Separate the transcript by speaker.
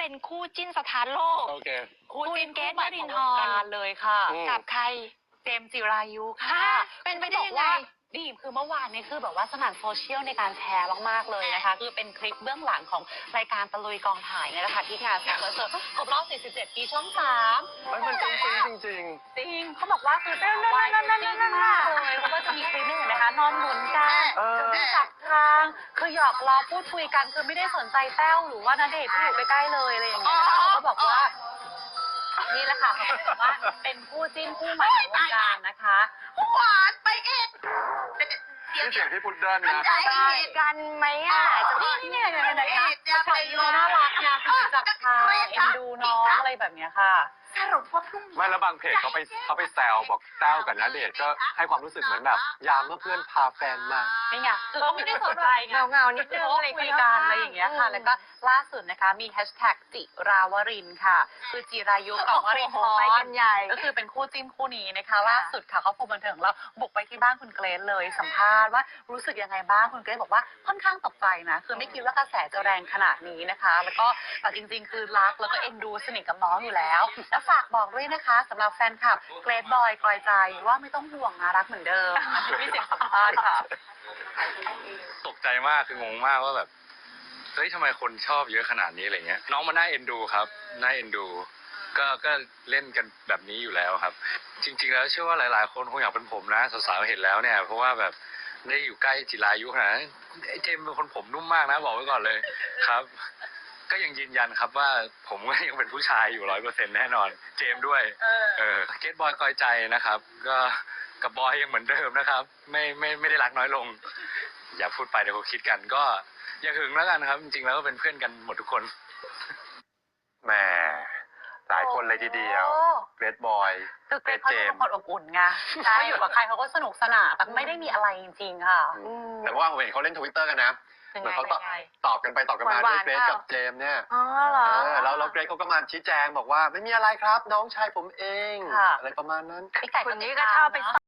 Speaker 1: เป็นคู่จิ้นสถานโลก
Speaker 2: โอเค
Speaker 1: คู่จิ้นเกส
Speaker 3: ใหม่
Speaker 1: วริ
Speaker 3: ขอน ง
Speaker 1: ท
Speaker 3: วง
Speaker 1: ร์
Speaker 3: การเลยค่ะ
Speaker 1: กับใคร
Speaker 3: เจมส์จิรายุค่ะ
Speaker 1: เป็นไปได้ยังไง
Speaker 3: ดีคือเมื่อวานนี้คือแบบว่าสนั่นโซเชียลในการแชร์มากๆเลยนะคะคือเป็นคลิปเบื้องหลังของรายการตะลุยกองถ่ายเนี่ยนะคะที่งานคอนเสิร์ตครบรอบ 47 ปีช่อง 3
Speaker 2: มันจริงจริง
Speaker 3: จริงเขาบอกว่าคือเป็นวายจริงมากเลยเพราะว่าจะมีคลิปหนึงเห็นไหมคะนอนหนุนกันจะจับทางคือหยอกล้อพูดคุยกันคือไม่ได้สนใจแต้วหรือว่าณเดชน์ที่อยู่ใกล้ๆเลยอะไรอย่างเงี้ยเขาก็บอกว่านี่แหละค่ะเขาบอกว่าเป็นคู่จิ้นคู่ใหม่ของวงการนะคะ
Speaker 1: หวานไปเอง
Speaker 2: นี่เสียงพี่พุดเดิ้ลนะ
Speaker 1: ได้กันไหมอ่ะ
Speaker 3: นี่เนี่ยจะไปดูน่ารักนะจับทางเอ็นดูน้องอะไรแบบเนี้ยค่ะ
Speaker 1: สรุปว่าพรุ่งนี้
Speaker 2: ไม่แล้วบางเพจเขาไปแซวบอกแต้วกับณเดชน์ก็ให้ความรู้สึกเหมือนแบบยามเมื่อเพื่อนพาแฟนมา
Speaker 3: นี่ไงคือเขาไม่ได้สนใจไง
Speaker 1: เงาๆนิดนึง
Speaker 3: เขาคุยกันอะไรอย่างเงี้ยค่ะ แล้วก็ล่าสุดนะคะมีแฮชแท็กจิราวรินทร์ค่ะ คือจิรายุกับวรินท
Speaker 1: ไป
Speaker 3: ร์
Speaker 1: กันใหญ่
Speaker 3: ก็คือเป็นคู่จิ้นคู่นี้นะคะ ล่าสุดค่ะเขาพบบันเทิงแล้วบุกไปที่บ้านคุณเกรซเลยสัมภาษณ์ว่ารู้สึกยังไงบ้างคุณเกรซบอกว่าค่อนข้างตกใจนะคือไม่คิดว่ากระแสจะแรงขนาดนี้นะคะ แล้วก็แต่จริงๆ คือรักแล้วก็เอ็นดูสนิทกับน้องอยู่แล้วแล้วฝากบอกด้วยนะคะสำหรับแฟนคลับเกรซบอยกลอยใจว่าไม่ต้องห่วงนะรักเหมือนเดิมมีเสียงสัมภาษณ์ค่ะ
Speaker 4: ตกใจมากคืองงมากว่าแบบเฮ้ยทำไมคนชอบเยอะขนาดนี้อะไรเงี้ยน้องมันน่าเอ็นดูครับน่าเอ็นดูก็เล่นกันแบบนี้อยู่แล้วครับ จริงๆแล้วเชื่อว่าหลายๆคนคงอยากเป็นผมนะสาวๆเห็นแล้วเนี่ยเพราะว่าแบบได้อยู่ใกล้จิรายุขนาดนั้นไอ้เจมส์เป็นคนผมนุ่มมากนะบอกไว้ก่อนเลยครับ ก็ยังยืนยันครับว่าผมก็ยังเป็นผู้ชายอยู่100%แน่นอนเจมส์ด้วยเกตบอยกอยใจนะครับ ก็กับบอยยังเหมือนเดิมนะครับ ไม่ได้รักน้อยลง อย่าพูดไปเดี๋ยวเขาคิดกันก็อย่าหึงแล้วกันครับ จริงๆแล้วก็เป็นเพื่อนกันหมดทุกคน
Speaker 2: แหมหลายคนเลยทีเดียวเกรทบอย
Speaker 3: คือเกรซเขาเป็นคนอบอุ่นไงเขาอยู่กับใครเขาก็สนุกสนานแต่ไม่ได้มีอะไรจริงๆค่ะ
Speaker 2: แต่ว่าผมเห็นเขาเล่นทวิตเตอร์กันนะ
Speaker 3: เป็น
Speaker 2: เหมือน
Speaker 3: ไง
Speaker 2: เขา
Speaker 3: เป็นไง
Speaker 2: ตอบกันไปตอบกันมาด้วยเกรทกับเจมส์เนี่ย
Speaker 1: อ๋อเหรอ
Speaker 2: แล้วเกรทเขาก็มาชี้แจงบอกว่าไม่มีอะไรครับน้องชายผมเอง
Speaker 3: ค่ะ
Speaker 2: อะไรประมาณนั้น
Speaker 3: พี่ไก่
Speaker 1: คนนี้ก็ชอบไป